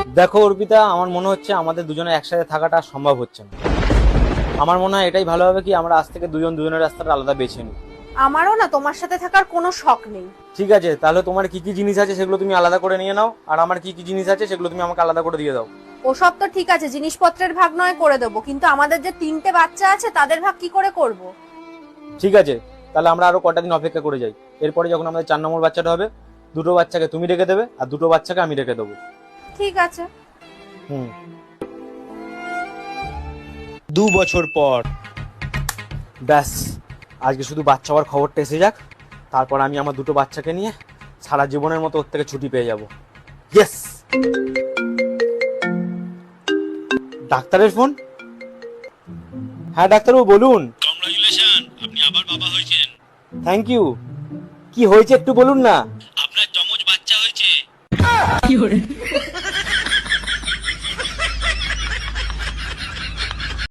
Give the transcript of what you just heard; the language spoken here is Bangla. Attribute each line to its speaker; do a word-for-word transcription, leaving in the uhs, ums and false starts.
Speaker 1: দেখো অর্পিতা, আমার মনে হচ্ছে আমাদের দুজনে একসাথে থাকাটা সম্ভব হচ্ছে না। আমার মনে হয় এটাই ভালো হবে কি আমরা আজ থেকে দুজন দুজনের রাস্তাটা আলাদা বেছে নিই।
Speaker 2: আমারও না তোমার সাথে থাকার কোনো শখ নেই।
Speaker 1: ঠিক আছে, তাহলে তোমার কি কি জিনিস আছে সেগুলো তুমি আলাদা করে নিয়ে নাও, আর আমার কি কি জিনিস আছে সেগুলো তুমি আমাকে আলাদা করে দিয়ে দাও।
Speaker 2: ওসব তো ঠিক আছে, জিনিসপত্রের ভাগ নয় করে দেবো, কিন্তু আমাদের যে তিনটে বাচ্চা আছে তাদের ভাগ কি করে করব?
Speaker 1: ঠিক আছে, তাহলে আমরা আরো কটা দিন অপেক্ষা করে যাই। এরপরে যখন আমাদের চার নম্বর বাচ্চাটা হবে, দুটো বাচ্চাকে তুমি রেখে দেবে আর দুটো বাচ্চাকে আমি রেখে দেবো।
Speaker 2: ঠিক আছে।
Speaker 1: হুম। দু বছর পর ব্যাস, আজকে শুধু বাচ্চা হওয়ার খবরটা এসে যাক, তারপর আমি আমার দুটো বাচ্চাকে নিয়ে সারা জীবনের মতো ওর থেকে ছুটি পেয়ে যাব। ইয়েস। ডাক্তারের ফোন। হ্যাঁ ডাক্তারবাবু বলুন।
Speaker 3: কংগ্রাচুলেশন, আপনি আবার বাবা হয়েছেন।
Speaker 1: Thank you. কি হয়েছে একটু বলুন না।
Speaker 3: আপনার যমজ বাচ্চা হয়েছে।